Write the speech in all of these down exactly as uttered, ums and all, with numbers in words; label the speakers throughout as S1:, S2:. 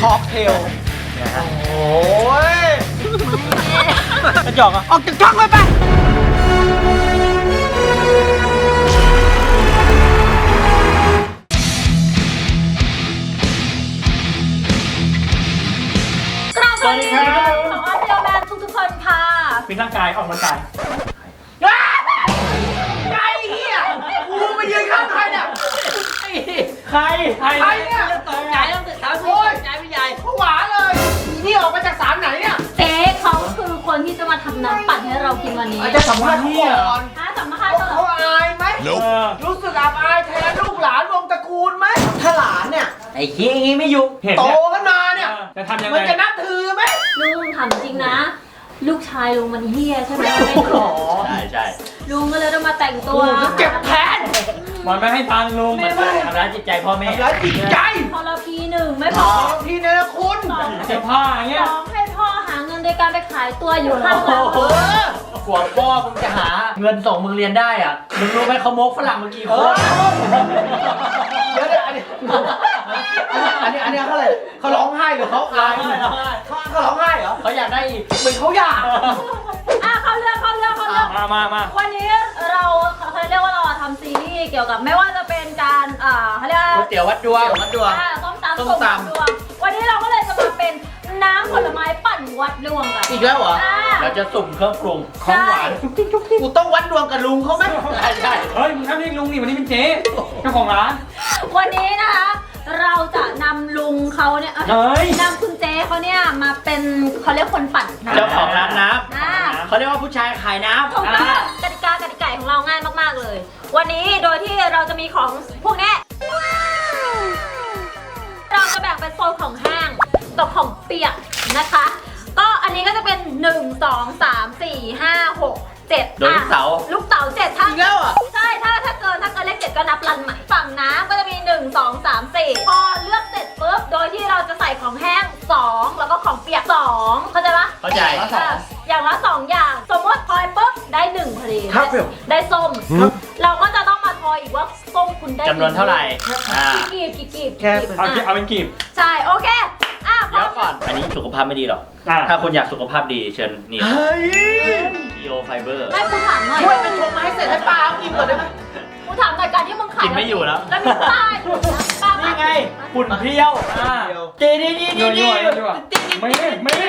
S1: ค็อกเทลนะฮะโอ้ยกระจอกอ่ะออกจากช่องไปไป
S2: สวัสดีครับขอเดียวแมนทุกๆคนค่ะ
S3: ฟิตร่างกายออกกำลังกาย
S1: ไอ้เหี้ยกูมายืนข้างใครเนี่ย
S3: ใครใคร
S1: ใครเนี่ย
S2: ตกใจต้องตื่นเช้าสิตกใจไม่ใหญ่
S1: ผวาเลยนี่ออกมาจากศาลไหนเนี่ย
S2: เจ๊เขาคือคนที่จะมาทำน้ำปั่นให้เรากินวันนี้
S1: อาจจะสัมภาษณ์เขาก่อน
S2: ถ้าสัมภาษณ์
S1: เขา
S2: เขา
S1: เขาอายไหม
S3: เออ
S1: รู้สึกอับอายแทนลูกหลานวงตระกูลไหมถ้าหลานเนี่ย
S4: ไอ้ขี้อย่างงี้ไม่อยู่
S3: เห็น
S1: โต
S3: เนี่ย
S1: ขึ้นมาเนี่ย
S3: จะทำยัง
S1: มัน
S3: ไง
S1: จะนับถือไหม
S2: ลุงถามจริงนะ ลูกชายลุงมันเฮี้ยใช่ไหมไม่หรอ
S4: ใช่ใช่
S2: ลุงก็เลยต้องมาแต่งตัว
S1: เจ็บแทน
S3: มันไม่ให้ตังค์ลุง
S1: ไม่ไม่
S4: ทำร้ายจิตใจพ่อแม่
S1: ทำร้ายจิตใจ
S2: พอเราพีหนึ่งไม่พอ
S1: ทีเนรคุณ
S2: สอง
S3: เจ็บผ้าอย่างเงี้ย
S2: สองให้พ่อหาเงินโดยการไปขายตัวอยู่ข้างหลัง
S1: เออ
S4: กว่าพ่อมึงจะหาเงินส่งมึงเรียนได้อ่ะ มึงรู้ไหมเขาโมกฝรั่งเมื่อกี้
S1: เอ
S4: ค
S1: อน เดี๋ยวเดี๋ยวอันนี้อันนี้อันนี้เขาอะไรเขาร้องไห้หรือเขาอะไรเขาเขาร้องไห้เหรอ
S4: เขาอยากได้อีก
S1: เหมือนเขาอยาก
S2: อ่ะเข้าเรื่องเข้าเรื่องเข้าเรื่อง
S3: มามามา
S2: วันนี้เราเขาเรียกว่าเราทำซีรีส์เกี่ยวกับไม่ว่าจะเป็นการอ่าเขาเรียกว่า
S4: ก๋วยเตี๋ยววัดดวงวัดดวง
S2: อ่าต้มตำ
S4: ต้ม
S2: ส่ง
S4: ตำ
S2: ดวงวันนี้เราก็เลยจะมาเป็นน้ำผลไม้ปั่นวัดดวงกัน
S4: อีกแล้วเหรอ
S2: อ่า
S4: เราจะสุ่มเครื่องปรุง
S3: ของหวาน
S1: กูต้องวัดดวงกับลุงเขาไหม
S4: ใช่ใช่
S3: เฮ้ยมึงทำเรียกลุงนี่วันนี้เป็นเจ๊เจ้าของร้าน
S2: วันนี้นะคะ เราจะนำลุงเขาเนี่ยเอ้ย
S3: เฮ้ย
S2: นำคุณเจ๊เขาเนี่ยมาเป็นเขาเรียกคนปั่นน้ำ
S4: เจ้าของร้านน้
S2: อ่า
S4: ำเขาเรียกว่าผู้ชายขายน้ำ
S2: ถูกต้องกติกากติกาของเราง่ายมากๆเลย วันนี้โดยที่เราจะมีของพวกนี้เราจะแบ่งเป็นโซนของแห้งกับของเปียกนะคะ ก็อันนี้ก็จะเป็นหนึ่ง สอง สาม สี่ ห้า หก เจ็ด
S4: โดยลูกเต๋า
S2: ลูกเต๋าเจ็ดถ้า
S1: อีกแล้วอ่ะ
S2: ใช่ถ้าถ้าเกินถ้าเกินเลขเจ็ดก็นับรันใหม่ฝั่งน้ำก็จะมีหนึ่ง สอง สาม สี่พอเลือกเสร็จปุ๊บโดยที่เราจะใส่ของแห้งสองแล้วก็ของเปียกสองเข้าใจปะ
S4: เข้าใจ
S2: อ่ะอย่างละสองอย่างสมมติทอยปุ๊บได้หนึ่งพอดี
S1: ครับผม
S2: ได้ส้มเราก็จะต้องมาทอยอีกว่าส้มคุณได้
S4: จำนวนเท่าไหร่อ่า
S2: กี่กีบกี่กีบ
S1: แค่
S2: กี่กีบ
S3: เอาเอา
S2: อ่ะ
S3: เป็นกีบ
S2: ใช่โอเคอ่ะพ
S4: เดี๋
S2: ร้
S4: ย
S2: อ
S4: ว
S2: ม
S4: ก่อน อันนี้สุขภาพไม่ดีหรอก
S3: อ่า
S4: ถ้าคุณอยากสุขภาพดีเชิญนี่
S1: เฮ้ย
S4: Bio Fiber
S2: ไม่กูถามหน่อย
S1: ช่วยไปชมมาให้เสร็จให้ป้าเอากินก่อนได้ไหม
S2: กูถามหน่อยการที่มึงขาย
S4: กินไม่อยู่แล้ว
S2: แล้วมีป้ายอยู่นะป้าย
S4: นี่ไงฝุ่นเพรี้ยวอ่าดีดีดีดี
S3: ยั่ว
S4: ดี
S3: ยั่วยั่วไม่ไม่ไม่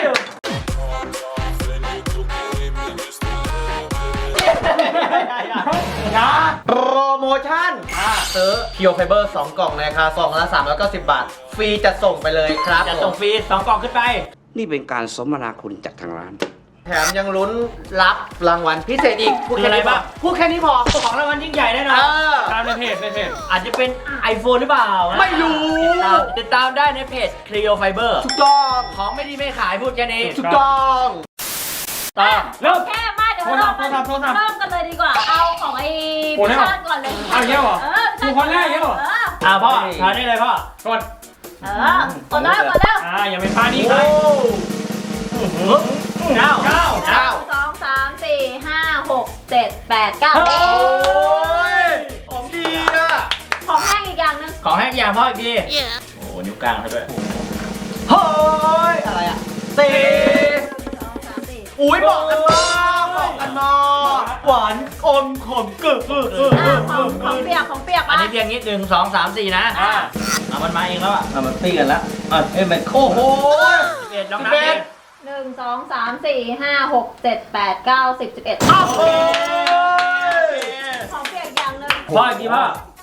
S3: นะ
S1: โปรโมชั่นซื้อ Bio Fiber สองกล่องในราคาซองละสามร้อยเก้าสิบบาท ฟรีจะส่งไปเลยครับ
S4: จะส่งฟรีสองกล่องขึ้นไป
S5: นี่เป็นการสมนาคุณจากทางร้าน
S1: แถมยังลุ้นรับรางวัลพิเศษอีกพูด
S4: คือ
S1: แค่
S4: อะไร
S1: นี้พอ
S4: บ้าง
S1: พูดแค่นี้พอ
S4: ของรางวัลยิ่งใหญ่แน่น
S1: เอ
S4: อน
S1: อ
S3: ตามในเพจในเพจ
S4: อาจจะเป็น iPhone หรือเปล่านะ
S1: ไม่รู้
S4: ติดตามติดตามได้ในเพจ Clio Fiber
S1: ถูกต้อง
S4: ของไม่ดีไม่ขายพูดแค่นี้
S1: ถูกต้อง
S4: ต่อ
S3: เริ่ม
S2: แค่มาเดี๋ยวเรา
S3: โทรศัพท์โทรศัพท์
S2: เริ่มกันเลยดีกว่า เอาของไอ้
S3: โอ้
S2: พิ
S3: ได้เหรอ
S2: ชาติก่อนเลย
S3: เอาอย่างเงี้ยเหรอ
S2: เออพิชาติ
S3: ดูคนแรกอย่างเงี้ยเหรอ
S2: เออ
S4: อ่าพ่อทานได้เลยพ่อก
S3: ด
S2: เออก่อนแล้วก่อนแล้ว
S3: อ่าอย่าเป็นพานี้
S1: โอ้
S3: ใคร
S4: เก้า
S3: เก้า
S1: เก้า
S2: สองสามสี่ห้าหกเจ็ดแปดเก้า
S3: โอ้
S1: ยของดีอ่ะ
S2: ของแห้งอีกอย่างหนึง
S4: ของแห้งอย่างพ่ออีกทีโอ้โหนิ้วกลางเขาด้วย
S1: เฮ้ย อะไรอ่ะสี่
S2: สองสามสี่
S1: อุ้ยบอกกันมาบอกกันมาหวานอมขมกึกกึกกึก
S2: อ่ะของของเปียกของเปียก
S4: อัน
S2: มา
S4: นี้เพียงนิดหนึ่งสองสามสี่นะ
S3: อ่า
S4: เอามันมาเองแล้วอ่ะเอามันตีกันแล้วอ่ะเอ้ยมันโอ้โหเอ็ดน้องนับเอง
S2: หนึ่งสองสามสี่ห้าหกเจ็ดแปดเก้าสิบสิบเอ็ด
S1: อ้าวโอ้ย
S2: ของเปียกอย่างหนึง
S4: พ่ออีกทีพ่อ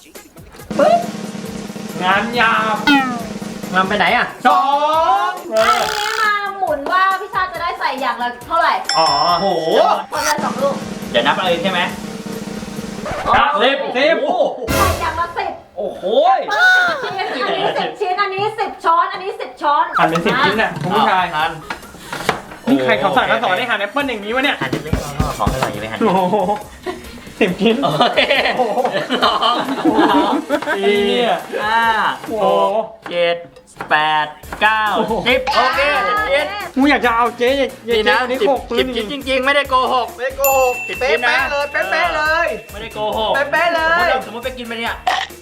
S3: งานยาว
S4: มันไปไหนอ่ะ
S3: สอง
S2: อันนี้มาหมุนว่าพี่ชาติจะได้ใส่อย่างละเท่าไหร่
S3: อ๋อ
S1: โห
S2: คนละสองลูก
S4: เดี๋ยวนับเอาเองใช่ไหม
S3: ครับสิบสิบ
S2: ใส่อย่างละสิบ
S4: โอ้โห
S2: อันนี้สิบชิ้น อันนี้สิบช้อน อันนี้สิบช้อน
S3: หั่นเป็นสิบชิ้นน่ะคุณผู้ชาย
S4: ทาน
S3: นี่ใครเขาสั่งเขาสอนให้หั่นแอปเปิ้ลอย่างนี้วะเนี่ย
S4: หั่นเล็กๆพ่อของอร่อยยังไม่หั่น
S3: โอ้โหสิบชิ้น
S4: โอเคสองสี่ห้า
S3: โอ้
S4: ห
S3: โห
S4: กเจ็ดแปดเก้าสิบโอเคสิบชิ้น
S3: กูอยากจะเอาเจ๊อย่าอย่า
S4: นี่
S3: เจ๊
S4: นะ
S3: อันนี้
S4: สิบ
S3: โขกพื้
S4: สิ
S3: น
S4: บ
S3: จ
S4: ชิ้
S3: ริ
S4: น
S3: ง
S4: จริงๆ ไม่ได้โกหก
S1: ไม่โกหก
S4: สิบ
S1: เป๊
S4: ชิ้นนะ
S1: ะๆเลยเป๊ะๆเลย
S4: ไม่ได้โกหก
S1: เป๊ะๆเลย
S4: สมมติไปกินไปเนี่ย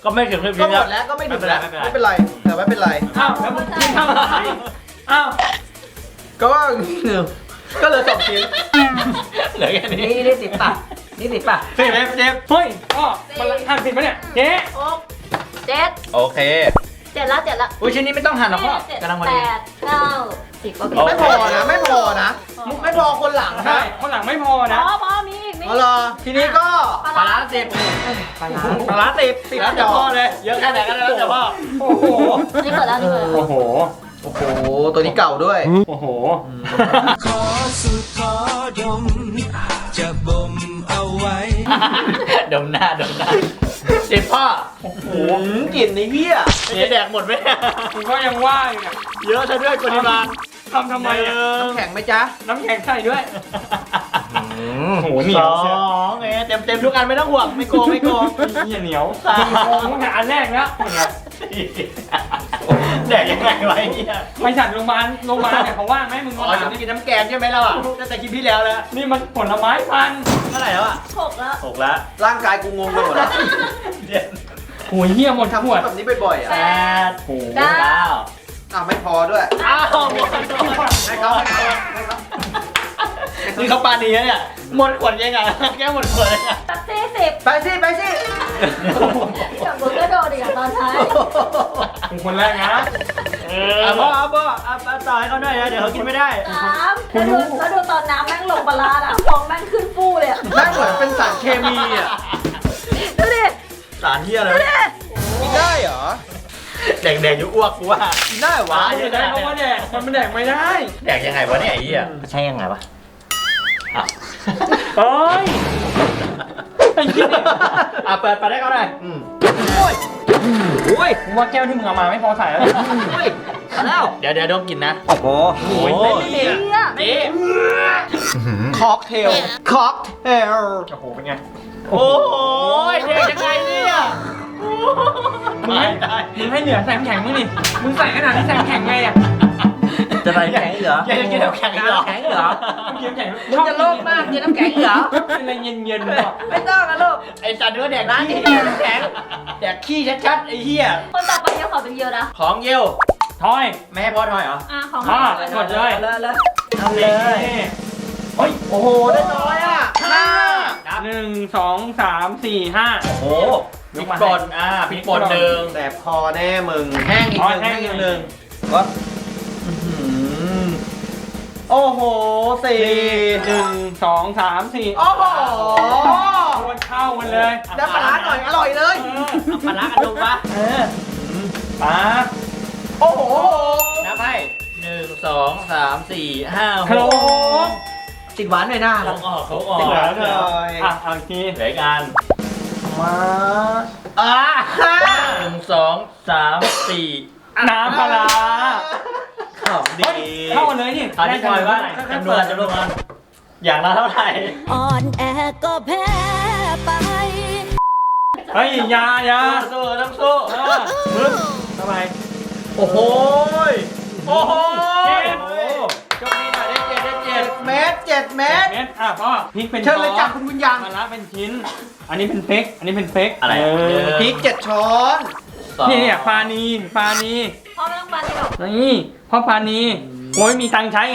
S4: ก็ไม่ถึงไม่
S1: ก็หมดแล้วก็ไม่ถึงแล้วไม่เป็นไรแต่ไม่เป็นไร
S3: อ้าวแล้วมึงกินทำอะไรอ้าว
S1: ก็ก็เลยสองชิ้น
S4: เหลือแค่นี้
S1: นี่นี่สิบป่ะนี่สิบป่ะ
S3: สิบเอฟเจฟเฮ้ยพ่อมันหั่นผิดปะเนี่ยเจ๊
S2: หกเจ็ด
S4: โอเค
S2: เจ็ดละเจ็ดละ
S4: อุ้ยชิ้นนี้ไม่ต้องหั่นหรอกพ่อ
S2: เจ็ด
S4: กำลังพอ
S2: แป
S4: ดี
S2: ดเก้าสิบโอเค
S4: โอเค
S1: ไม่พอนะไม่พอนะไม่พอคนหลัง
S3: ใช่
S1: นะ
S3: คนหลังไม่พอ
S2: พ
S3: นะ
S2: อพอมีอีกมี
S1: เอาล่ะทีนี้ก็
S4: ปลาร้าสิบ
S1: ปลาร้า
S4: ปลาร้าสิบสิบแล้วแต่พ่อเลยเยอะแค่ไหนก็แล้วแต่พ่อ
S3: โอ้โห
S2: นี่เปิดแล้วนี่เปิดแล้ว
S3: โอ้โห
S1: โอ้โหตัวนี้เก่าด้วย
S3: โอ้โห
S6: ขอสุดขอดม จะบ่มเอาไว้
S4: ดมหน้าดมหน้าสิบพ่อ
S3: โอ้โห
S1: หืมกลิ่นในเหี้ย
S4: จะแดกหมดไหม
S3: กูก็ยังว่าอยู่เนี่ย
S4: เยอะซะด้วยปริมาณ
S3: ทำทำไมอ่ะ
S1: น้ำแข็งไหมจ๊ะ
S3: น้ำแข็งใส่ด้วยโอ้โหเหนี
S4: ส
S3: ยว
S4: อ
S3: เชียว
S4: งเอ้เต็มเต็มทุกอันไม่ต้องห่วงไม่โกงไม่โกง
S3: เหี้ยเหนียวสี่โมงตั้งแต่อันแรกแล้วเนี่ย
S4: แดกยังไงวะไอ้เนี่ย
S3: ไปจัดโรงพยาบาลโรงพยาบาลเนี่ยเขาว่างไหมมึง
S4: อ๋
S3: มา
S4: อ
S3: ถาม
S4: จะ
S3: นี่
S4: กินน้ำแกงใช่ไหมเราอ่ะตั้งแต่คลิปที่แล้วแล้ว
S3: นี่มันผลไม้พันธุ์
S4: เท่าไหร่แล้วอ่ะ
S2: หกแล้ว
S4: หกแล้ว
S1: ร่างกายกูงงไปหมดแล้ว
S4: เจ็ด
S3: โอ้ยเหี้ยหมด
S1: ทำ
S3: ขวด
S1: แบบนี้บ่อยๆอ่ะ
S4: แปด
S3: โอ้โห
S2: เก้า
S4: เก้า
S1: อ้าวไม่พอด้วย
S4: อ้าวหมด
S1: ให้เขาให้เขาให้เขา
S4: นี่เขาปานีนะเนี่ยหมดขวดยังไงแค่หมดขวดยังไง
S2: ตัดสี่สิบ
S1: ไปสิไปสิ
S2: กับมึงก็โดนอีกอะตอนท้าย
S3: เป็นคนแรกนะ
S4: เออพ่อเอาพ่อเอาเอาต่อให้เขาหน่อยนะเดี๋ยวเขากินไม่ได้
S2: สามแล้วดูแล้วดูตอนน้ำแม่งลงปลาร้าอะฟองแม่งขึ้นฟูเลยอะ
S1: ได้เหมือนเป็นสารเคมีอ่ะ
S2: ดูดิ
S4: สารเที่ยอะไร
S2: ดูดิ
S1: กินได้เหรอ
S4: แดกแดกอยู่อ้วกกูว่า
S1: กินได้เหรอวะ
S3: ไม่ได้เพราะว่าแดกมันไม่แดกไม่ได้
S4: แดกยังไงวะเนี่ยไอ้เหี้ยใช่ยังไงวะอ่ะ
S3: เอ้ยไอ้เหี้ย
S4: อ่ะเปิดไปได้เขาหน่อย
S1: อืมโอ้ยโอ้ย
S3: กูว่าแก้วที่มึงเอามาไม่พอใส่แล้ว
S1: โอ้ยเอาแล้ว
S4: เดี๋ยวเดี๋ยวดมกินนะ
S1: โอ้โห
S4: โอ้ย
S2: เหี้ย
S4: นี่
S1: ค็อกเทลค็อกเทล
S3: โอ้โหเป็นไง
S4: โอ้ยเด็กยังไงเนี่ย
S3: มึงให้มึงให้เหนือใส่น้ำแข็งมึงนี่มึงใส่ขนาดที่ใส่น้ำแข็งไงอ่ะ
S1: จะไปแข็งเหรอ
S4: ยังจะกินน้ำแข็งอีกเหรอ
S1: แข็งเหรอ
S3: มึงกินน้ำแข็ง
S1: มึงจะโลภมากกินน้ำแข็งเหรอ
S3: เป็นอะไรเย็นๆเนาะ
S1: ไม่ต้องนะลูก
S4: ไอ้สัตว์เนื้อแดกขี้น้ำแข็งแดกขี้ชัดๆไอ้เหี้ย
S2: คนต่อไปเดี๋ยวขอเป็นเยอะนะ
S4: ของเยี่ยว
S3: ทอย
S4: ไม่ให้พ่อทอยเหรอ
S2: อ่ะของ
S3: อ่ะ
S2: ก่อน
S3: กดเลย
S1: เลยเลย
S3: ทำเลยเฮ้ย
S1: โอ้โหได้น้อยอ่ะห้า
S4: นับ
S3: หนึ่งสองสามสี่ห้า
S4: โอ้โหพริกป่นอ่าพริกป่นหนึ่ง
S1: แต่พอแน่มึงแห้งอีกหนึ่งแห้งอีกหนึ่งก็อื้อหือโอ้โหสี่
S3: หนึ่งสองสามสี่
S1: โอ้โห
S3: มันเข้ามันเลย
S1: ได้ปลาร้าหน่อยอร่อยเลย
S4: เอาปลาร้ากันดูปะ
S3: เออปา
S1: โอ้โห
S4: นับให้หนึ่งสองสามสี่ห้าห
S3: ฮัลโหล
S4: ก
S1: ติดหวานหน่อยนะ
S4: เขาออกเขาออก
S1: ติดหวานหน่อย
S3: อ่ะเอาอีกที
S4: เหลืออีกอัน
S1: มา
S4: อ่าหนึ่งสองสามสี่
S3: น้ำปลาร้า
S1: ขำดี
S3: เฮ้ยเข้ากันเลยนี่
S4: ตอนนี้ทอยว่าจำนวนจำนวนอย่างละเท่าไหร่
S7: อ่อนแอก็แพ้ไป
S3: เฮ้ยอยาอยา
S4: สู้ต้องสู้
S3: เออมึงทำไม
S1: โอ้โห
S4: โอ้โห
S3: เจ็ด
S4: โชคดีหน่อยได้เจ็ดได้เจ็ด
S1: เมตรเจ็ดเมตร
S3: เม็ดอ่ะพ่อพริกเป็น
S1: เชิญเลยจ้ะ
S3: ช้อน
S1: คุณบุญยัง
S3: มะระเป็นชิ้น อันนี้เป็นเฟกอันนี้เป็นเฟก
S4: อะไร
S3: เออ
S1: พริกเจ็ดช้อน
S4: สอง
S3: นี่เนี่ยปลานีปลานี
S2: พ่อไม่ต้องปาที่หรอก
S3: นี่พ่อปลานีโอ้ยมีตังค์ใช้ไง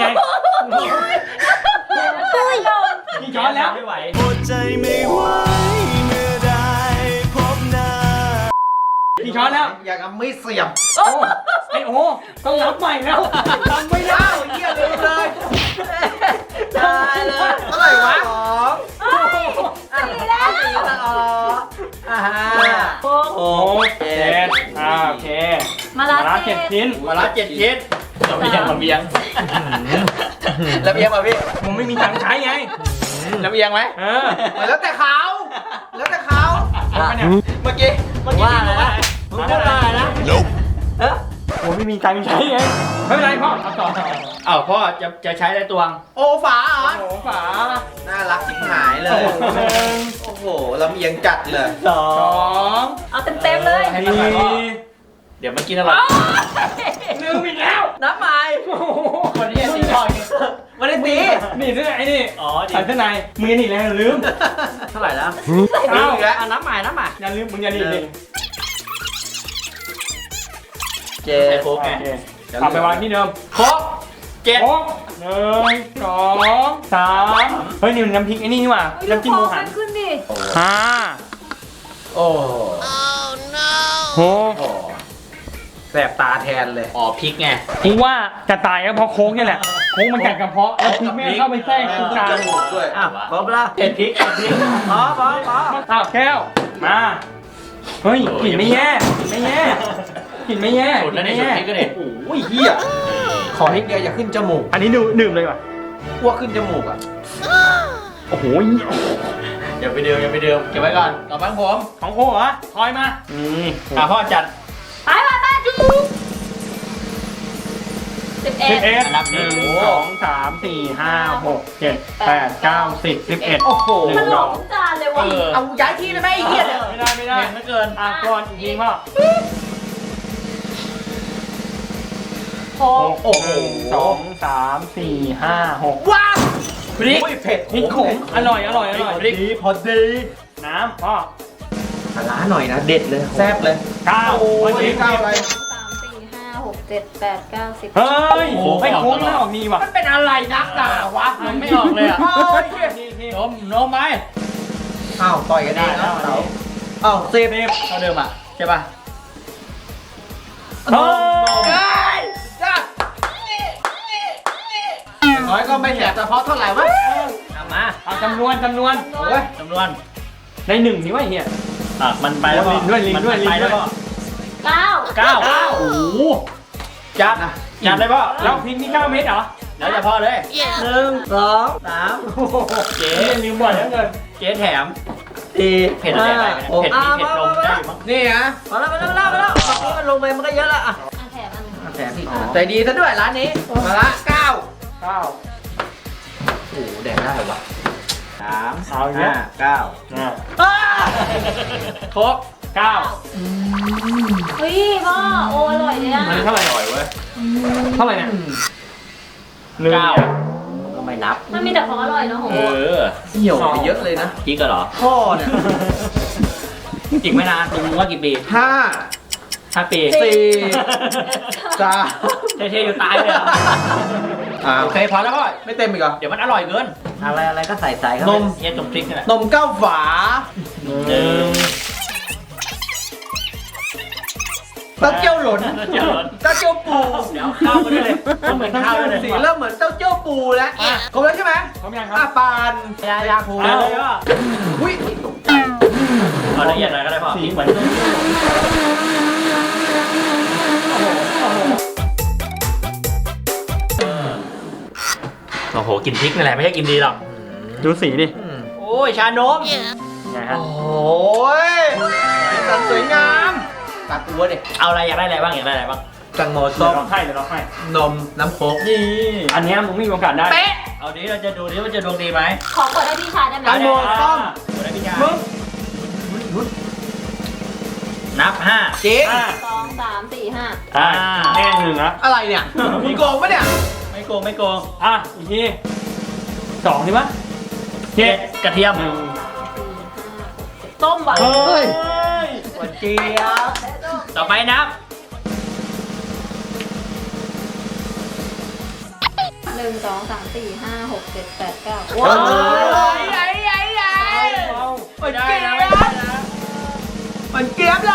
S3: นี่ช้อนแล้ว
S4: ไม่ไหว
S6: อดใจไม่ไหวเมื่อได้พบหน้า
S3: กี่ช้อนแล้ว
S1: อยากเอาไม่เสียบ
S3: โอ้ไอโอ้ต้องรับใหม่แล้วทำไม่ได้
S1: อ้าวเหี้ยลืมเลยได้เลยเท่าไหร่วะสอง
S2: เฮ้ยสี่แล้ว
S1: สี่ละอ๋ออ่าฮะ
S3: โอ้เจ็ดอ่าโอเค
S2: มา
S3: มา
S2: ลา
S3: ละ
S2: เจ็
S3: เจ็
S2: ด
S3: ดชิ้น
S4: มาละเจ็ดชิ้นลำเบียงลำเบียงลำเบียงป่ะพี่
S3: มึงไม่มีตังค์ใช้ไง
S4: ลำเบียงไหม
S3: เออ
S1: แล้วแต่เขาแล้วแต่เขา
S3: เอาไปเนี่ย
S4: เมื่อกี้เมื่อกี้
S1: ว่าอะไรนะ
S4: มึงพูดว่าอะไรนะ
S1: เอ๊ะ
S3: โอ้ไม่มีตังค์ใช้ไงไม่เป็นไรพ่อเอาต่อ
S4: อ้าวพ่อจะจะใช้ได้ตวง
S1: โอฝาเหรอ
S3: โอ้โหฝา
S1: น่ารักชิบหายเลย
S3: หนึ่ง
S1: โอ้โหลำเอียงจัดเลย
S4: สอ
S3: สอง
S2: เอาเต็มๆเลย
S4: ให้
S3: สี่
S4: มันหน่อยพ่อเดี๋ยวมันกินอะไร
S3: ลืมอีกแล้ว
S1: น้ำใหม่
S3: โอ้โห
S4: คนที่ตีพ่อนี่
S1: ไม่ได้ตี
S3: นี่เสื้อไอ้นี่
S4: อ๋อดี
S3: ใส่เสื้อในมึงอย่าหนีแล้วลืม
S1: เท่าไหร่แล้ว
S3: เอ้า
S1: อีกแล้วอ่ะน้ำใหม่น้ำใหม่
S3: อย่าลืมมึงอย่าหนีดิ
S1: เจ็
S4: ใส่
S1: ด
S4: โค้กไง
S3: โอเคเอาไปวางที่เดิม
S1: ครบเจ็ด
S3: โอ้หนึ่งสองสามเฮ้ยนี่มันน้ำพริกไอ้นี่นี่หว่าน้ำจิ้มหมูหัน
S2: ขึ้นดิ
S3: ห้า
S1: โอ้
S3: หก
S1: โหแสบตาแทนเลย
S4: อ๋อพริกไง
S3: กูว่าจะตายก็เพราะโค้งนี่แหละโค้งมันกัดกระเพาะแล้วพริกแม่งเข้าไปแทรกตรงกลาง
S1: ด้วย
S4: อ้าวครบละเผ็ดพริกเผ็ดพริก
S1: พอพอพอ
S3: อ้าวแก้วมาเฮ้ยกลิ่นไม่แย่กลิ่นไม่แย่กลิ่นไม่แย่
S4: สุดแล้วเนี่ยสุดพริกก็เนี่ย
S1: โอ้ยเฮียขอนิดเดียวอย่าขึ้นจมูก
S3: อันนี้ดื่มดื่มเลยว่ะ
S1: อ้วกขึ้นจมูกอ่ะ
S3: โอ้โห
S4: อย่าไปเดิมอย่าไปเดิมเก็บไว้ก่อนต่อไปของผม
S3: ของโอ้เหรอทอยมานี่
S4: อ่ะพ่อจัด
S2: ไปไปไปจุ๊บสิบเอ็
S3: สิ
S2: ด
S3: บเอ็ด
S4: อันดับ
S3: ห
S4: นี้
S3: นึ่งสองสามสี่ห้าหกเจ็ดแปดเก้าสิบสิบเอ็ด
S1: โอ้โห
S3: ห
S2: มัน
S3: นึ่ง
S2: หล
S3: ส
S2: อ
S3: อก ง
S2: ทุกจานเลยว่ะ
S1: เอาย้ายที่เลยไหมไอ้เหี้ยเนี่ย
S3: ไม่ได้ไม่ได้
S4: เผ็ดไม่เกิน
S3: อ่ะก่อนอีกทีพ่อ
S2: โอ้
S3: หก
S1: โอ้โห
S3: หนึ่งสองสามสี่ห้าหก
S1: ว้าว
S3: พริก
S1: โอ้ยเผ็ด
S3: พริกขมอร่อยอร่อยอร่อย
S1: พอดีพอดี
S3: น้ำพ่อ
S1: ปลาร้าหน่อยนะเด็ดเลยแซ่บเลย
S3: เก้า
S1: โอ้ย
S3: พริก
S1: เก้าอะไร
S2: สามสี่ห้าหกเจ็ดแปดเก้าสิบ
S3: เฮ้ย
S4: โอ้โห
S3: ไม่โค้งไม่ออกนี่ว่ะ
S1: มันเป็นอะไรนักหนาวะ
S4: มันไม่ออกเลยอ่ะ
S1: โอ้ยเหี้ย
S3: นี่นี่
S4: นมนมไหม
S1: อ้าวต่อยกันเองนะเต๋าอ้าวเซฟ
S4: เท่าเดิมอ่ะใช่ป่ะ
S3: เฮ้ย
S1: ได้จ้าอย่างน้อยก็ไม่แสบแต่เพราะเท่าไหร่วะ
S4: เอามา
S3: เอาจำนวนจำนวน
S1: โอ้ย
S4: จำนวน
S3: ในหนึ่งนี่ว่าเฮีย
S4: อ่ะมันไปแล้วก็
S3: ลิงด้วยลิง
S4: มัน
S3: ด้วย
S4: ไป
S3: ลิงด้วย
S4: แล้วก็
S2: เก้า
S4: เก้า
S3: เก้า
S4: โอ้โหจัดนะจัดเลยพ่อ
S3: แล้วพริกนี่เก้าเม็ดเหรอ
S4: แล้วจะพ่อเลยหนึ่งสองสาม
S3: โอ้โห
S4: เจ๊
S3: เจ๊ลืมบ่อยแล้วเกิน
S4: เจ๊แถม
S1: สี่
S4: เผ็ดอะไรได้ไหมเนี่ยเผ็ดนี่เผ็ดลงได้มั้ง
S1: นี่ฮะมาแล้วมาแล้วมาแล้วมาแล้วเมื่อกี้มันลงไปมันก็เยอะแล้วอ่ะ
S2: อันแถมอันหนึ่ง
S1: แถมอีกใจดีซะด้วยร้านนี้มาละเก้า
S3: เก้า
S1: โอ้โหแดกได้เหรอวะ
S4: สาม
S3: เอาอีกแล้ว
S4: ห้าเก้า
S3: อ่ะ
S4: ครบ
S3: เก้า
S2: เฮ้ยพ่อโอ้อร่อยเลยอ่ะ
S3: มันเท่าไหร่
S4: อร่อยเว้ย
S3: เท่าไหร่เนี่ยหนึ่ง
S4: เก้า
S1: ก็ไม่นับ
S2: มันมีแต่ของอร่อยเนาะโห
S4: เออ
S1: เหี่ยวไปเยอะเลยนะ
S4: พริกก็เหรอ
S1: พ่อเนี่ย
S4: อีกไม่นานมึงว่ากี่ปี
S1: ห้า
S4: ห้าปี
S1: สี่สาม
S4: เท่ๆอยู่ตายเลยเหรอ
S1: อ่า
S4: โอเคพอแล้วพ่อ
S1: ไม่เต็มอีกเหรอ
S4: เดี๋ยวมันอร่อยเกิน อะไรอะไรก็ใส่ใส่ครับ
S1: นม
S4: เย็นจมพริกนี่แหละ
S1: นมเก้าฝา
S4: หนึ่ง
S1: เต้าเจี้ยวหล่น
S4: เจียวหล่น
S1: เต้าเจี้ยวปู
S4: เดี๋ยวข้าวมาด้วยเลยต้องเหมือนข้าวด้วยเลย
S1: สีเริ่มเหมือนเต้าเจี้ยวปูแล้วครบแล้วใช่ไหม
S3: พร้อมยังค
S1: อ่ะ
S3: รับ
S1: ปานยายาคู
S4: เอาเลยก็
S1: อุ้ย
S4: เอาละเอียดหน่อยก็ได้พ่อพริกเหมือนโอ้โหกินพริกนี่แหละไม่ใช่กินดีหรอก
S3: ดูสีดิ
S4: โอ้ยชานม
S3: ไงฮะ
S1: โอ้ยสันสวยงามตัดตัวดิ
S4: เอาอะไรอยากได้อะไรบ้างอยากได้อะไรบ้าง
S1: แตังโม
S3: เดี๋
S1: ส้
S3: ยว
S1: ม
S3: เราให้เดี๋ยวเราให้
S1: นมน้ำโค้ก
S3: นี่อันเนี้ยมึงไม่มีโอกาสได้
S1: เป๊ะ
S4: เอาดิเราจะดูดิว่าจะดวงดีไหม
S2: ขอเปิดให้พี่ชายได้ไหม
S1: แตงโมส้ม
S4: ดูได้พี่ชาย
S1: มึง
S4: นับห้า
S1: เจ๊
S3: อ่า
S2: สองสามสี่ห้า
S3: อ่าแน่หนึ่งละ
S1: อะไรเนี่ยมีโกงปะเนี่ย
S4: ไม่โกงไม่โกง
S3: อ่ะอีกทีสองใช่ปะ
S4: เจ็ดกระเทียม
S3: หนึ่ง
S2: ส้มหวาน
S3: เฮ้ย
S1: หวานเจี๊ยบ
S4: ต่อไปนับ
S2: หนึ่งสองสามสี่ห้าหกเจ็ดแปดเก้า
S1: ว้า
S2: ว้าว
S1: ใหญ่ใหญ่ใหญ่
S3: เอา
S1: หวานเจี๊ยบหวานเจี๊ยบเลย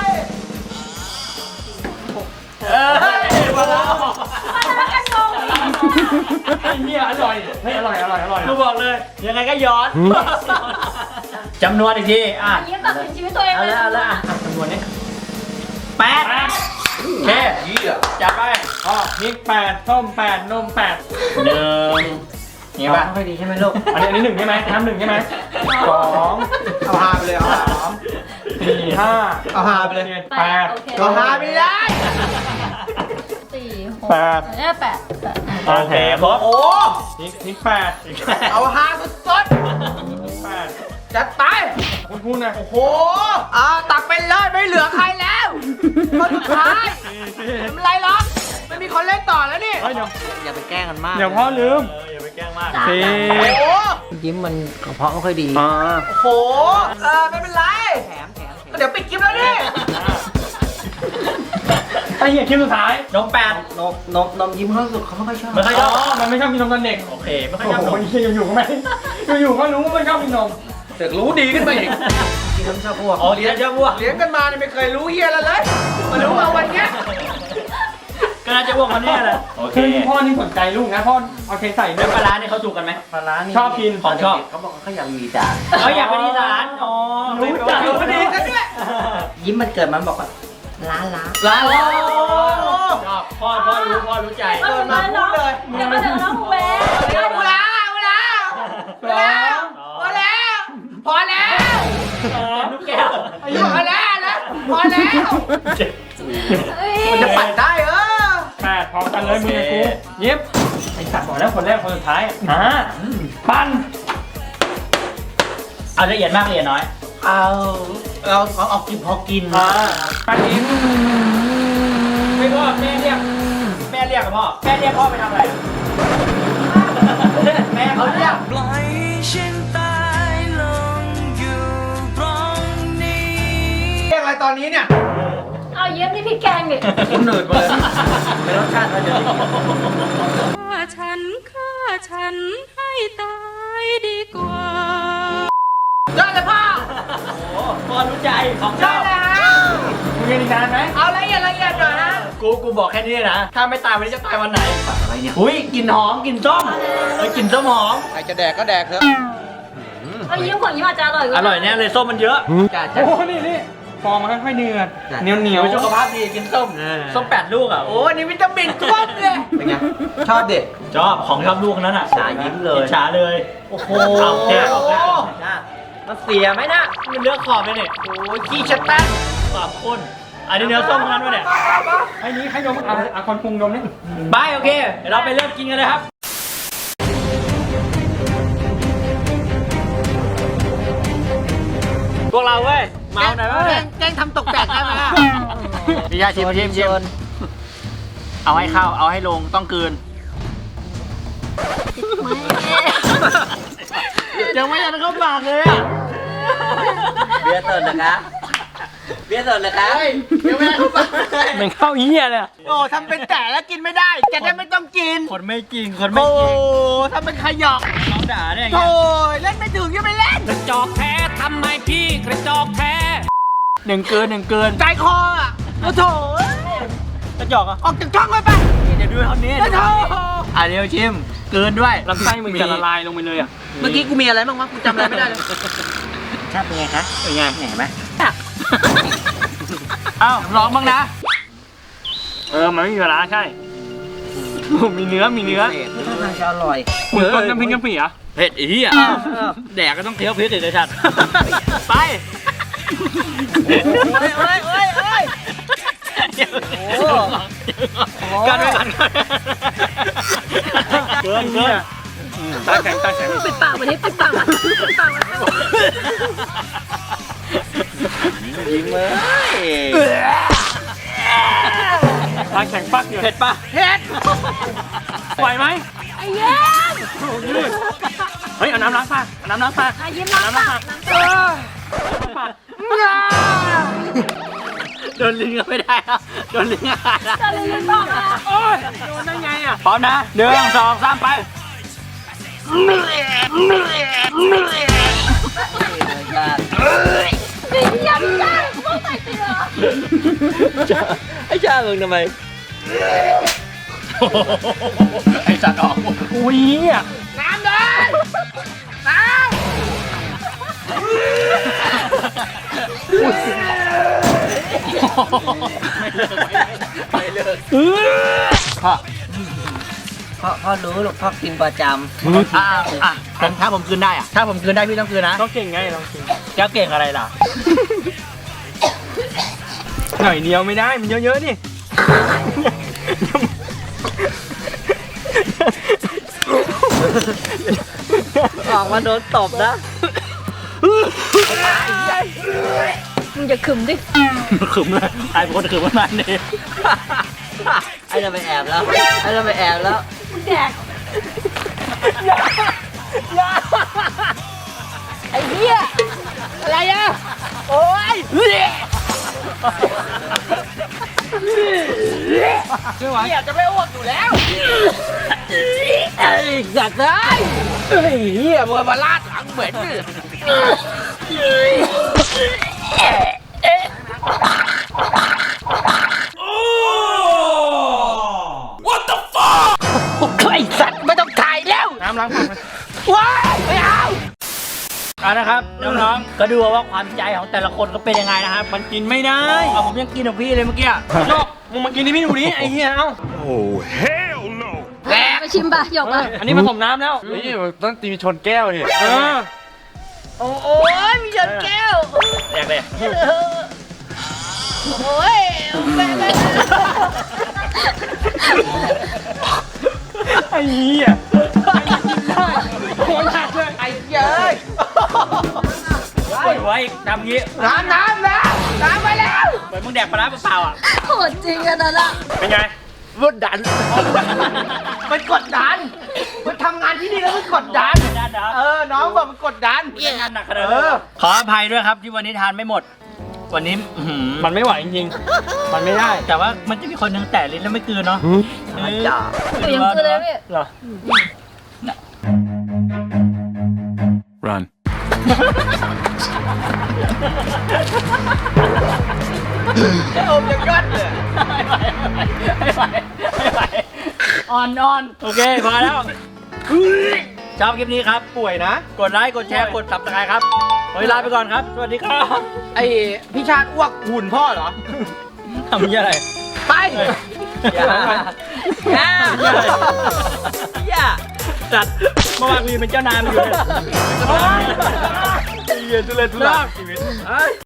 S4: เอ้ยมาแล้ว
S2: มันจะกันงง
S3: ไอ้เหี้ยอร่อยเฮ้ยอร่อยอร่อยอร่อย
S4: กูบอกเลย ยังไงก็ย้อนจำนวนอีกทีอ่ะ
S2: อันนี้ตัดสินชีวิตตัวเอง
S4: เอา
S2: เลย
S4: ละเอาละอ่ะจำนวนนี้แปดโอเค
S1: เยี่ย
S4: จัดไป
S3: อ๋อพริกแปดส้มแปดนมแปด
S4: หนึ่งนี่ป่ะ
S1: ไม่ดีใช่ไหมลูก
S3: อันนี้อันนี้หนึ่งใช่ไหมน้ำหนึ่งใช่ไหมสอง
S1: เอาฮาไปเลยเอาฮา
S3: สามสี่ห้า
S1: เอาฮาไปเลย
S3: แปด
S2: โอเค
S1: เอาฮาไม่ได้
S2: สี่หก
S3: แปด
S2: เอ้ยแปดแปดอ่ะ
S4: โอเคครบ
S1: โอ้
S3: พริกพริกแปด
S1: เอาฮาสุด
S3: แปด
S1: ๆจัดไป
S3: คุณพูดนะ
S1: โอ้โหอ่าตักไปเลยไม่เหลือใครแล้วคนสุดท้ายไม่เป็นไรหรอกไม่มีคนเล่นต่อแล้วนี่
S3: เฮ้ยเดี๋ยว
S1: อย่าไปแกล้งกันมาก
S3: เดี๋ยวพ่อลืม
S4: เอออย่าไปแกล้งมาก
S3: สี่
S1: โอ้โห
S8: ยิ้มมันกระเพาะไม่ค่อยดี
S3: อ่า
S1: โอ้โหเออไม่เป็นไร
S8: แถมแถมแถม
S1: เดี๋ยวปิดคลิปแล้วนี่
S3: อ่าเหี้ยคิวสุดท้าย
S4: นมแปด
S1: นมนมนมยิ้มเขาสุดเขาไม่ค่อยชอบ
S4: ไม่ค่อยชอบ
S3: มันไม่ชอบกินนมตอนเด็ก
S4: โอเคไม่ค่อย
S3: โอ้
S4: ชอบ
S3: โห
S4: นม
S3: เหี้ยอยู่ๆก็ไม่อยู่ๆก็รู้ว่าไม่ชอบกินนม
S1: เด็กรู้ดีขึ้นไปอีกกินน้ำชาพวก
S4: อ๋อเลี้ยงเจ้าวัว
S1: เลี้ยงกันมาเนี่ยไม่เคยรู้เฮียอะไรเลยมารู้เอาวันเนี้ย
S4: ก็น่าจะวัวคนนี้แหละโอเค
S3: คือพ่อนี่สนใจลูกนะพ่อเอาเคใส่ด้
S4: แล้ว วย ปลาร้าเนี่ยเขาถูกกันไหม
S1: ปลาร้านี่
S3: ชอบกิน
S4: ของชอบ
S1: เขาบอกว่าเขาอยากมีจาน
S4: เขาอยากเป็นอีสานอ๋อ
S3: รู้จัก
S1: รู้ดีกันด้วย ยิ้มมันเกิดมันบอกว่าล้าล้า
S4: ร้านโอ้ชอบพ่อพ่อรู้พ่อรู้ใจ
S2: เดินมาพูดเลยเดี๋ยวมาเดินน้องแหวน
S1: เอาแล้วเอาแล้วเอาแล้วพอแล้วพอแล้ว
S4: ลูกแก้ว
S1: อายุพอแล้วนะพอแล้ว
S2: เฮ้ย
S1: มันจะปั่นได้เออ
S3: แปดพร้อมกันเลยมือกูยิบไอ้สัตว์บอกแล้วคนแรกคนสุดท้ายอ่าปั้น
S4: เอาละเอียดมากละเอียดน้อย
S1: เอาเราเอาเอากินพอกิน
S3: อ่าปั้นยิ้ม
S4: ไม่พ่อแม่เรียกแม่เรียกกับพ่อแม่เรียกพ่อไปทำอะไรแม่เขาเรียก
S6: ปล่อยฉันตายลงอยู่ตรงนี้
S1: เรียกอะไรตอนนี้เนี่ย
S2: เอาเย็บนี่พี่แกงดิ
S1: คุณหนืดไปเลยเป็นรสชาติมันจะดี
S7: ฆ่าฉันฆ่าฉันให้ตายดีกว่า
S1: ได้เลยพ่อ
S4: โอ้พ่อรู้ใจของช
S1: ได้
S4: อบ
S1: แล้ว
S3: มึงเรียนอีกนานไหม
S1: เอาละเอียดละเอียดหน่อยนะ
S4: กูกูบอกแค่นี้นะ ถ้าไม่ตายวันนี้จะตายวันไหน
S1: อะไรเนี่ย
S4: อุ้ยกลิ่นหอมกลิ่นส้มเอ้ยกลิ่นส้มหอม
S1: ใครจะแดกก็แดกเถอะ
S2: เอายิ้มของยิ้มอาจจะอร่อยกว่า
S4: อร่อยแน่เลยส้มมันเยอะ
S1: จ้า
S3: โอ้โหนี่นี่ฟองมันค่อยๆเดือดเหนียวเหนียว
S4: เดี๋ยวสุขภาพดีกินส้มส้มแปดลูกอ่ะ
S1: โอ้อันนี้วิตามินครบเลยเป็นไงชอบเด็ก
S4: ชอบของชอบลูกนั้นอ่ะ
S1: ฉายิ้มเลย
S4: ฉาเลย
S1: โอ้โห
S4: เอาแจ๊ออกแล้วมันเสียไหมนะมันเลือกขอบเลยเนี่ย
S1: โอ้ยขี้ชัดแป้ง
S4: ขอบคุณอันนี้เนื้อส้มทั้งนั้นวะเนี่ย
S3: ไอ้นี้ใครดมเอาเอาคนปรุงดมนี่
S4: บายโอเคเดี๋ยวเราไปเริ่มกินกันเลยครับพวกเราเว้ยเมาหน่อยเว้ย
S1: แกล้งทำตกแตกได้ไหมอะ
S4: พี่ชายชิมชิมชิมเอาให้เข้าเอาให้ลงต้องกลืนยังไม่ทันเข้าปากเลยอ่ะ
S1: เบียร์สดนะคะเบียร์สดนะคะยังไม่ได้เข้าปากเลย
S3: มันเข้าเหี้ยเลย
S1: โอ้ทำเป็นแต่แล้วกินไม่ได้จะได้ไม่ต้องกิน
S4: คนไม่กินคนไม่
S1: โอ้
S4: กิน
S1: ทำเป็นขยอก
S4: น้องด่าเนี่ย
S1: โอ้ยเล่นไม่ถึงยังไม่เล่น
S6: กระจอกแท้ทำไมพี่กระจอกแท้
S4: หนึ่งเกินหนึ่งเกิน
S1: ใจคออ่ะโอ้โถ
S4: กระจอกอ่ะ
S1: ออกจากช่องไปไป
S4: เดี๋ยวดูเท่านี้
S1: โอ้โถ
S4: อ่ะเดี๋ยวชิมเกินด้วย
S3: ลำไส้มึงจะละลายลงไปเลยอ่ะ
S1: เมื่อกี้กูมีอะไรบ้างวะกูจำอะไรไม่ได้เลย
S4: ชาติเป็นไงคะเป็นไงเห็นไหมเอ้าลองบ้างนะ
S3: เออมันไม่มีเวลาใช่มีเนื้อมีเนื้อ
S1: ท่าทางจะอร่อย
S3: เหมือนต้นน้ำพริกกะปิอ่ะ
S4: เผ็ดอีอ่ะแดกก็ต้องเคี้ยวพริกเลยชัดไป
S1: โอ้ยโอ้ยโอ้ยโอ้ย
S4: กันไปกันเกินเกิน
S3: ตาแข็งตาแข็ง
S2: ปิดปากวันนี้ปิดปากมันปิดปากมัน
S1: ยิ้มเลย
S3: ตาแข็งปักอยู่
S4: เผ็ดปะ
S1: เฮ็ด
S3: ไหวไหม
S2: ไอ้เย็น
S3: ยืดเฮ้ยเอาน้ำล้างปากเอาน้ำล้างปาก
S2: เอายิ้มล้างปากล้างปาก
S4: โดนลิงก็ไม่ได้แล้วโดนลิงอ่ะ
S2: จะลืมบอกนะ
S3: โอ้ยโดนได้ไงอ่ะ
S4: พร้อมนะหนึ่งสองสามไป
S2: ดียังจังพวกใส่เสื้อ
S4: ไอ้ชาเมืองทำไมไอ้สัตว์ออก
S3: อุ้ยอ่ะ
S1: น้ำเลยน้ำ
S4: ไม่เลิก
S1: พ่อพ่อพ่อรู้หรอกพ่อกินประจ
S4: อ่าอ่ะผมถ้าผมคืนได้อ่ะถ้าผมคืนได้พี่ต้องคืนนะ
S3: ต้องเก่งไงลองกิน
S4: แก้วเก่งอะไรล่ะ
S3: หน่อยเดียวไม่ได้มันเยอะๆนี่
S1: ำออกมาโดนตบนะ
S2: มึงจะขึมดิ
S4: ขึมเลยไอ้คนขึมประมาณนี้
S1: ไอ้เราไปแอบแล้วไอ้เราไปแอบแล้ว
S2: แดกไอ้เหี้ย
S1: อะไรอ่ะ โอ้ย
S3: ช่วยไหว
S1: เหี้ยจะไม่อ้วกอยู่แล้ว
S8: ไอ้สัตว์เลยไอ้เหี้ยมึงมาลาดหลังเหม็นดิไอ้สัตว์ไม่ต้องถ่ายแล้ว
S3: น้ำล้างปากไหม
S8: ว้ายไม่เอา
S3: เอานะครับน้องๆก็ดูว่าความใจของแต่ละคนก็เป็นยังไงนะครับมันกินไม่ได้เอาผมยังกินของพี่เลยเมื่อกี้โยกมึงมากินที่พี่ดูดิไอ้เหี้ยเอ้า
S2: ไปชิมป่ะหยกอ่ะ
S3: อันนี้ผสมน้ำแล้ว
S9: นี่ต้องตีชนแก้วนี่
S3: เออ
S2: โอ้ยมีหยดแก้ว
S3: แดกเลย
S2: โอ้ยแม่แม่
S3: ไอ้เหี้ยโคตรหักเลย
S1: ไอ้เย้ย
S3: ปวดหัวอีกทำงี้
S1: น้ำน้ำน้ำน้ำไปแล้ว
S3: เหมือนมึงแดกปลาร้าเปล่าๆอ่ะ
S2: โหดจริงอะนั่นอะ
S3: เป็นไง
S1: รถดัน มันกดดัน มันทำงานที่นี่แล้วมันกดดัน
S3: ด้านนะ
S1: เออ น้องบอกมันกดดัน
S3: งานหนักขนาด
S1: เอ
S3: นั้น
S1: อ
S3: ขออภัยด้วยครับที่วันนี้ทานไม่หมด วันนี้มันไม่ไหวจริงๆ มันไม่ได้ แต่ว่ามันจะมีคนหนึงแตะลิ้นแล้วไม่กลืนเนาะเออ
S2: หนูยังคือเลยพี่
S3: เหรอ
S9: run
S1: ไอ้โอมจะกัดเลย
S3: ไม่ไหวไม่ไหวไม่ไหวอ่อนอ่อนโอเคพอแล้วชอบคลิปนี้ครับ
S1: ป่วยนะ
S3: กดไลค์ กดแชร์ กด ซับสไครบ์ครับวันนี้ลาไปก่อนครับ สวัสดีครับ
S1: ไอ้พี่ชาติอ้วกหุ่นพ่อเหรอ
S3: ทำยี่อะไร
S1: ไป
S3: อย่าอย่าอย่าจัดเมื่อวานกูยังเป็นเจ้านายมันอยู่เลย
S9: เย็นทุเรศทุลักชีวิต
S3: เฮ้ย